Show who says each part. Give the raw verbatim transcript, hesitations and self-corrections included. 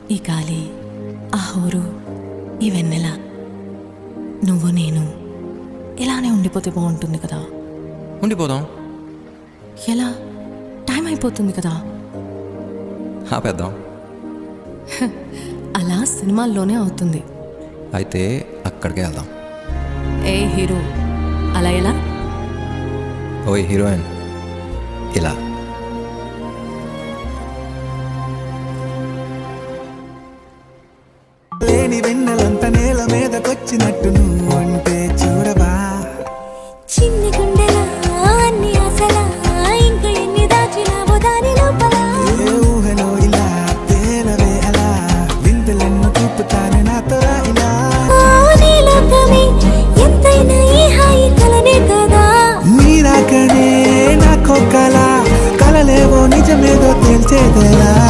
Speaker 1: ఈ గాలి, ఆ హోరు, ఈ వెన్నెల, నువ్వు నేను ఇలానే ఉండిపోతే బాగుంటుంది కదా.
Speaker 2: ఉండిపోదాం.
Speaker 1: ఎలా? టైం అయిపోతుంది కదా.
Speaker 2: ఆపేద్దాం.
Speaker 1: అలా సినిమాల్లోనే అవుతుంది.
Speaker 2: అయితే అక్కడికే వెళ్దాం.
Speaker 1: ఏ హీరో, అలా ఎలా?
Speaker 2: ఓయ్ హీరోయిన్, ఇలా.
Speaker 3: లేని వెన్నెలంత నేల మీదకొచ్చినట్టు నువ్వు అంటే చూడవా.
Speaker 4: చిన్ని గుండెలా అన్ని ఆశలా ఇంకా ఎన్ని దాచినావో దాని లోపల.
Speaker 3: ఏ ఊహలో ఇలా తేలవే అలా వింతలెన్నో చూపుతాను నాతో రా ఇలా.
Speaker 4: ఓ నీ లోకమే ఎంతైనా ఈ హాయి కలనే కదా.
Speaker 3: నీరాకనే నాకో కల, కలలేవో నిజమేదో తేల్చేదేలా.